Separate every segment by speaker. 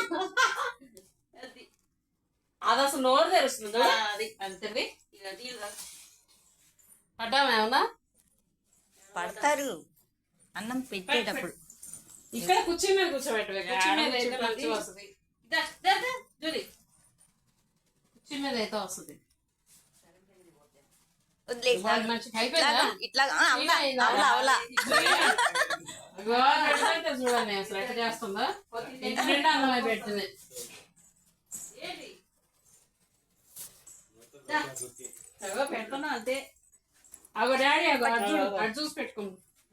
Speaker 1: అది అసలు నోరు తెరుస్తుంది అది అంతే పడ్డామేమన్నా
Speaker 2: పడతారు అన్నం పెట్టేటప్పుడు.
Speaker 1: ఇక్కడ కుర్చీ మీద కూర్చోబెట్టవే, కుర్చీ మీద అయితే మంచిగా వస్తుంది. జూలి కుర్చీ మీద అయితే వస్తుంది.
Speaker 2: ఇట్లా
Speaker 1: చూడండి అసలు ఎట్లా చేస్తుందో. ఇంటి నిండా అన్నమై పెడుతుంది. పెడుతున్నా అంతే. అగో డాడీ అగో అటు చూసి పెట్టుకుంటు.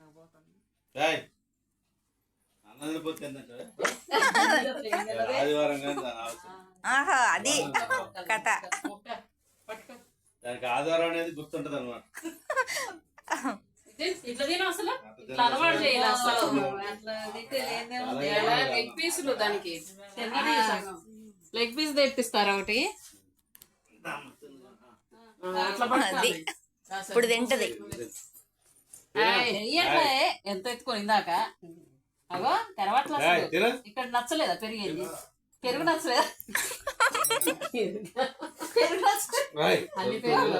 Speaker 2: అది కథ.
Speaker 3: దానికి ఆధారం అనేది గుర్తుంటది అనమాట.
Speaker 1: ఇట్లా తిన అసలు ఇట్లా అలవాటు చేయాలి. అసలు లెగ్ పీసులు దానికి లెగ్ పీస్ తెప్పిస్తారా ఒకటి
Speaker 2: అది ఇప్పుడు తింటది.
Speaker 1: ఎంత ఎత్తుకొని ఇందాక అగో తెరవట్లా. ఇక్కడ నచ్చలేదా పెరిగేది? పెరుగు నచ్చలేదా? పెరుగు అన్ని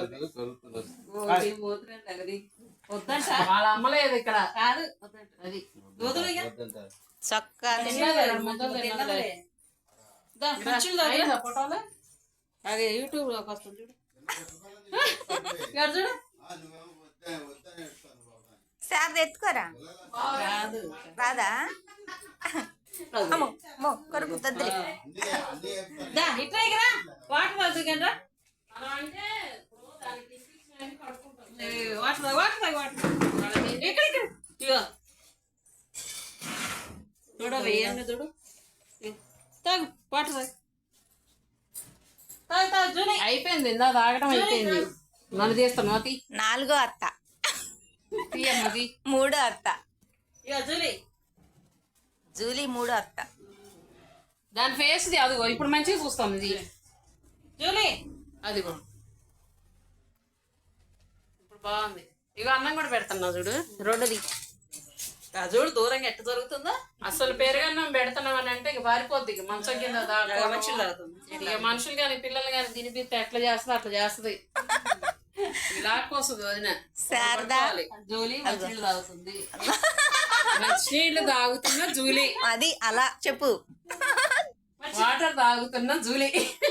Speaker 1: వద్దంట. వాళ్ళ అమ్మలేదు ఇక్కడ కాదు. అది
Speaker 2: చొక్కా
Speaker 1: ఫోటోలు అది యూట్యూబ్ లోకి వస్తుంది చూడు. చూడు
Speaker 2: సార్ ఎత్తుకోరా. రాదా కొరకు తద్దులే.
Speaker 1: ఇట్లా వాటర్ వద్దుకండ్రా. చూడు వేయండి చూడు. తాగు వాటర్ అయిపోయింది. ఇందా తాగడం అయిపోయింది. నన్ను తీస్తాను అతి.
Speaker 2: 4వ అత్త, 3వ అత్త. జూలీ 3వ అత్త.
Speaker 1: దాని ఫేస్ అదిగో ఇప్పుడు మంచిగా చూస్తాం. ఇది జూలీ అదిగో ఇప్పుడు బాగుంది. ఇగో అన్నం కూడా పెడుతున్నా చూడు.
Speaker 2: రెండోది
Speaker 1: చూడు దూరంగా ఎట్ట జరుగుతుందో. అసలు పెరుగన్నం పెడుతున్నాం అని అంటే ఇక పారిపోద్ది. ఇక మంచం కింద మనుషులు తాగుతుంది. ఇక మనుషులు కానీ పిల్లలు కానీ తినిపిస్తే ఎట్లా చేస్తుంది అట్లా చేస్తుంది. లాక్కొస్తుంది వదిన. జూలీ మంచినీళ్ళు తాగుతుంది. మంచినీళ్ళు తాగుతున్న జూలీ.
Speaker 2: అది అలా చెప్పు.
Speaker 1: వాటర్ తాగుతున్న జూలీ.